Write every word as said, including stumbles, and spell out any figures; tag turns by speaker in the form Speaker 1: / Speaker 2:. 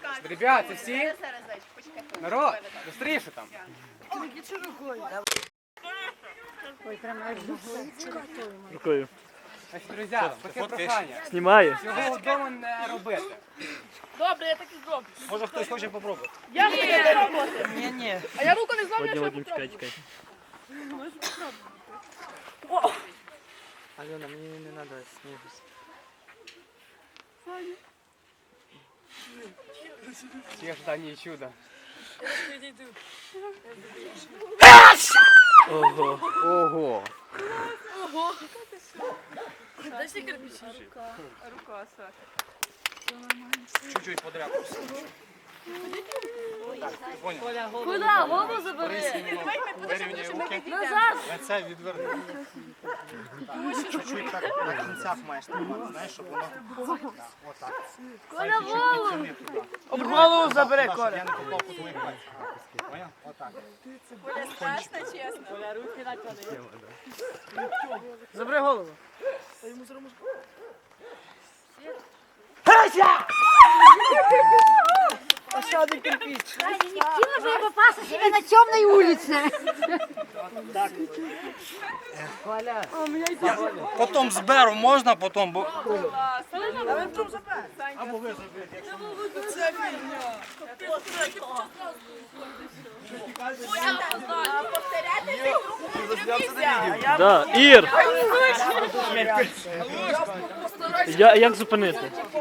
Speaker 1: Ребят, це всі? Народ, быстріше там.
Speaker 2: Рукою.
Speaker 1: Значить, друзі, таке прохання.
Speaker 2: Знімаю.
Speaker 1: Цього вдома не робити.
Speaker 3: Добре, я так і зроблю.
Speaker 1: Може хтось хоче попробувати.
Speaker 3: Я хочу спробувати.
Speaker 4: Ні, ні.
Speaker 3: А я руку не зламлю,
Speaker 2: Вадим,
Speaker 3: що я
Speaker 2: Вадим, чекай,
Speaker 3: попробую.
Speaker 2: чекай.
Speaker 4: Альона, мені не треба снігу.
Speaker 1: Всі ожидання і чудо.
Speaker 2: Ого.
Speaker 1: Ого.
Speaker 3: Ого. Дай ще кирпичі. Рука, Саша.
Speaker 1: Чуть-чуть подряпався.
Speaker 3: Куда? Голову забери.
Speaker 1: Вирівняй руки.
Speaker 3: Назад.
Speaker 1: Лице відверни. Чуть-чуть так на кінцях маєш тримати, знаєш, щоб воно... Отак.
Speaker 3: Коля, голову.
Speaker 4: Об голову забери,
Speaker 1: Я
Speaker 4: Коля.
Speaker 1: не попав по твоїх пальцях. Поняв? Отак.
Speaker 3: Коля, страшно, чесно.
Speaker 4: Коля, руки наклади. Забери голову. А ще один кирпич.
Speaker 5: Не хотела же я попасться себе на темной улице.
Speaker 4: Потім зберу, можна потім, бо...
Speaker 1: Або ви заберете, якщо
Speaker 2: Да, Ір! Я, як зупинити?